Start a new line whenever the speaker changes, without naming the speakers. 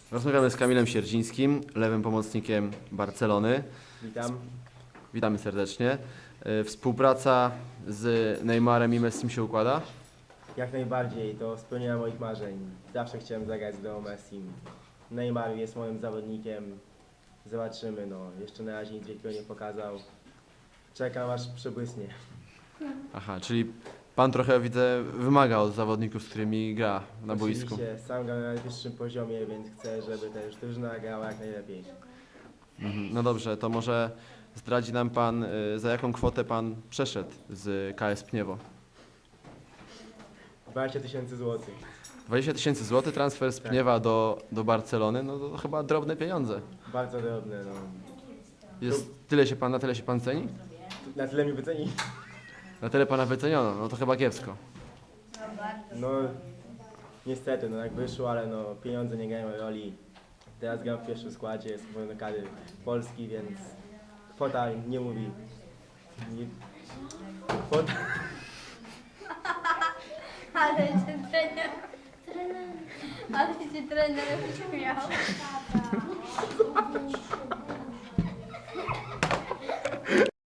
Rozmawiamy z Kamilem Sierdzińskim, lewym pomocnikiem Barcelony.
Witam.
Witamy serdecznie. Współpraca z Neymarem i Messim się układa?
Jak najbardziej, to spełnienie moich marzeń. Zawsze chciałem zagrać z Leo Messim. Neymar jest moim zawodnikiem. Zobaczymy, no. Jeszcze na razie nic wielkiego nie pokazał. Czekam aż przebłysnie.
Aha, czyli pan trochę, widzę, wymaga od zawodników, z którymi gra na boisku.
Oczywiście, sam gram na najwyższym poziomie, więc chcę, żeby też drużyna grała jak najlepiej.
No dobrze, to może zdradzi nam pan, za jaką kwotę pan przeszedł z KS Pniewo?
20 000 złotych.
20 000 złotych transfer z
Tak.
Pniewa do Barcelony, no to chyba drobne pieniądze.
Bardzo drobne, no.
Na tyle się pan ceni?
Na tyle mi wyceni.
Na tyle pana wyceniono, no to chyba kiepsko.
No, niestety, no jak wyszło, ale no pieniądze nie grają roli. Teraz gram w pierwszym składzie, jest do kadry Polski, więc kwota nie mówi. Nie, kwota,
Ale cię trener... Ale cię trener śmiał.